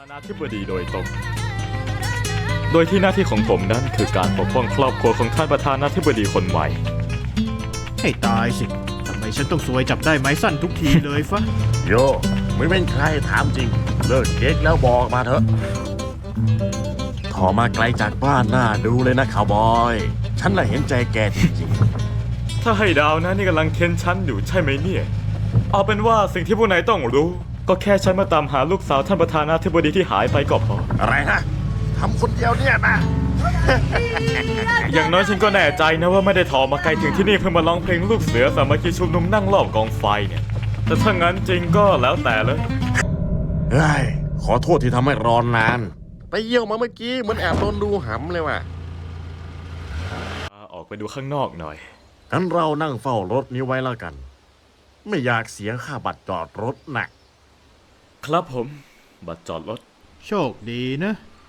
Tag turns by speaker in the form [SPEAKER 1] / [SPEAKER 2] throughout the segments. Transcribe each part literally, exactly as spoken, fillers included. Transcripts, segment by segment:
[SPEAKER 1] นาธิบดีโดยตรงโดยที่หน้าที่ของผมนั้นคือการปกป้องครอบครัวของท่านประธานาธิบดีคนใหม่
[SPEAKER 2] ให้ตายสิทำไมฉันต้องซวยจับได้ไม้สั้นทุกทีเลยฟะ
[SPEAKER 3] โยไม่เป็นใครถามจริง เลิกเก๊กแล้วบอกมาเถอะขอมาไกลจากบ้านหน้าดูเลยนะข่าวบอย ฉันละเห็นใจแกจริง
[SPEAKER 1] ถ้าให้ดาวนะนี่กำลังเค้นฉันอยู่ใช่ไหมเนี่ยเอาเป็นว่าสิ่งที่ผู้นายต้องรู้ ก็แค่ฉันมาตามหาลูกสาวท่านประธานาธิบดีที่หายไปก็พอ
[SPEAKER 3] ๆ อะไรนะทำคนเดียวเนี่ยนะ
[SPEAKER 1] อย่างน้อยฉันก็แน่ใจนะว่าไม่ได้ถอมาไกลถึงที่นี่เพื่อมาร้องเพลงลูกเสือสามัคคีชุมนุมนั่งรอบกองไฟเนี่ยแต่ถ้างั้นจริงก็แล้วแต่เลย
[SPEAKER 3] เฮ้ยขอโทษที่ทำให้รอนนาน ไปเยี่ยวมาเมื่อกี้เหมือนแอบโดนดูหำเลยว่ะ
[SPEAKER 1] ออกไปดูข้างนอกหน่อย
[SPEAKER 3] งั้นเรานั่งเฝ้ารถนี้ไว้แล้วกัน ไม่อยากเสียค่าบัตรจอดรถหนัก
[SPEAKER 1] ครับผมบัตรจอดรถ
[SPEAKER 2] โชคดีนะ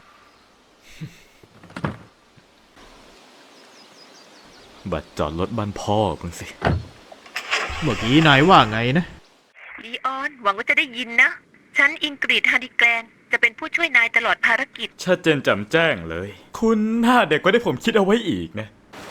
[SPEAKER 1] บัตรจอดรถบ้านพ่อมึงสิ
[SPEAKER 2] เมื่อกี้นายว่าไงนะ
[SPEAKER 4] ลีออนหวังว่าจะได้ยินนะ ฉันอิงกรีดฮาร์ดิแกรนจะเป็นผู้ช่วยนายตลอดภารกิจ
[SPEAKER 1] ชัดเจนแจ่มแจ้งเลย คุณหน้าเด็กกว่าที่ผมคิดเอาไว้อีกนะ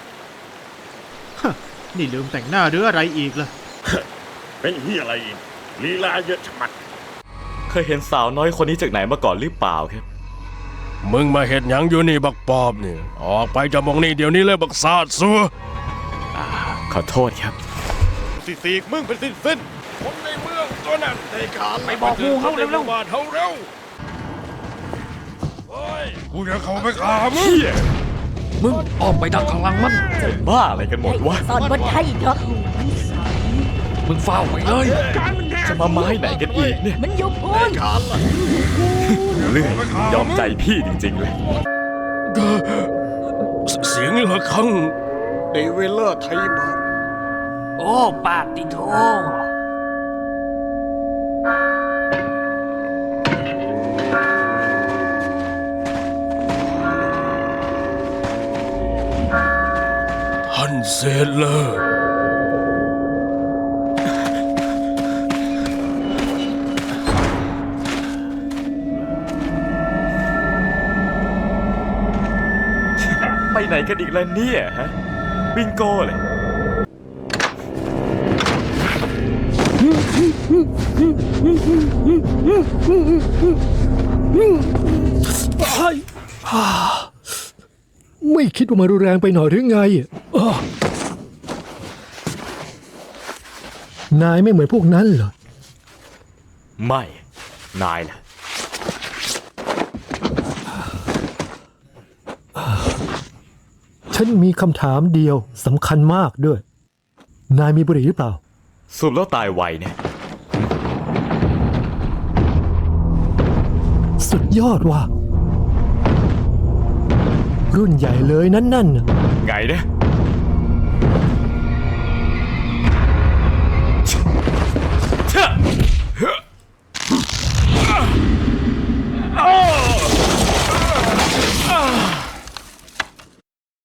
[SPEAKER 2] นี่ลืมแต่งหน้าหรืออะไรอีกล่ะ
[SPEAKER 3] เป็นที่อะไรอีกลีลาเยอะชะมัด
[SPEAKER 1] เคยเห็นสาวน้อยคนนี้จากไหนมาก่อนหรือเปล่าครับ
[SPEAKER 5] มึงมาเห็ดหยังอยู่นี่บักปอบนี่ออกไปจากหมองนี่เดี๋ยวนี้เลยบักซาดซัว
[SPEAKER 1] ขอโทษครับ
[SPEAKER 5] สิสีกมึงเป็นสิ้นสิ้นคนในเมืองตัวนั้นในการไปบอกกูเขาเร็วๆบาดเขาเร็วเฮ้ยกูจะเข้าไปฆ่ามึง
[SPEAKER 1] เฮีย
[SPEAKER 6] มึงออกไปดักข้างหลังมัน
[SPEAKER 1] บ้าอะไรกันหมดวะ
[SPEAKER 7] ตอนบนไทยดอก
[SPEAKER 6] มึงเฝ้าไว้เลย
[SPEAKER 1] จะมาไม้ไหนกันอีกเนี่ย
[SPEAKER 7] มันอยู่พูน
[SPEAKER 1] เรื่องยอมใจพี่จริงๆเลย
[SPEAKER 5] เสียงระฆัง
[SPEAKER 3] เดเวลเลอร์ไทยบัต
[SPEAKER 6] โอ้ปาติโท
[SPEAKER 5] ท่านเซนเลอร์
[SPEAKER 1] ไปไหนกันอีกแล้วเนี่ยฮะบิงโก้เลย
[SPEAKER 8] ไม่คิดว่ามันรุนแรงไปหน่อยหรือไงอ้อ นายไม่เหมือนพวกนั้นเหรอ
[SPEAKER 1] ไม่ นายล่ะ
[SPEAKER 8] ฉันมีคำถามเดียวสำคัญมากด้วย นายมีบุหรี่หรือเปล่า
[SPEAKER 1] สูบแล้วตายไวเนี่ย
[SPEAKER 8] สุดยอดว่ะ รุ่นใหญ่เลยนั่นนั่นน่ะ
[SPEAKER 1] ไงเนี่ย